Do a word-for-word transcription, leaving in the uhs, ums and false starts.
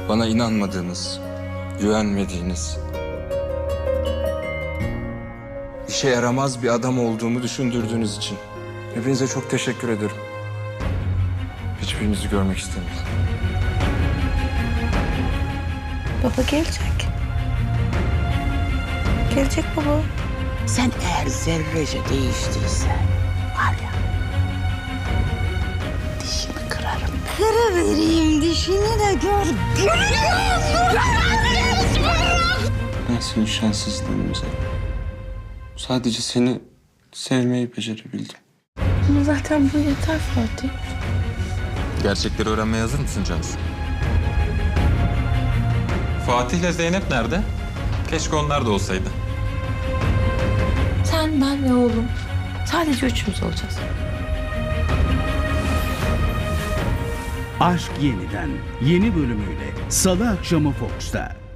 Bana inanmadığınız, güvenmediğiniz, işe yaramaz bir adam olduğumu düşündürdüğünüz için hepinize çok teşekkür ederim. Hiçbirinizi görmek istemedim. Baba gelecek. Gelecek baba. Sen eğer zerrece değiştiysen var ya, dişini kırarım. Kırıvereyim dişini de gör. Ben senin şanssızlığını sadece seni sevmeyi becerebildim. Ama zaten bu yeter Fatih. Gerçekleri öğrenmeye hazır mısın Cansu? Fatih ile Zeynep nerede? Keşke onlar da olsaydı. Sen, ben ve oğlum. Sadece üçümüz olacağız. Aşk Yeniden yeni bölümüyle Salı akşamı Fox'ta.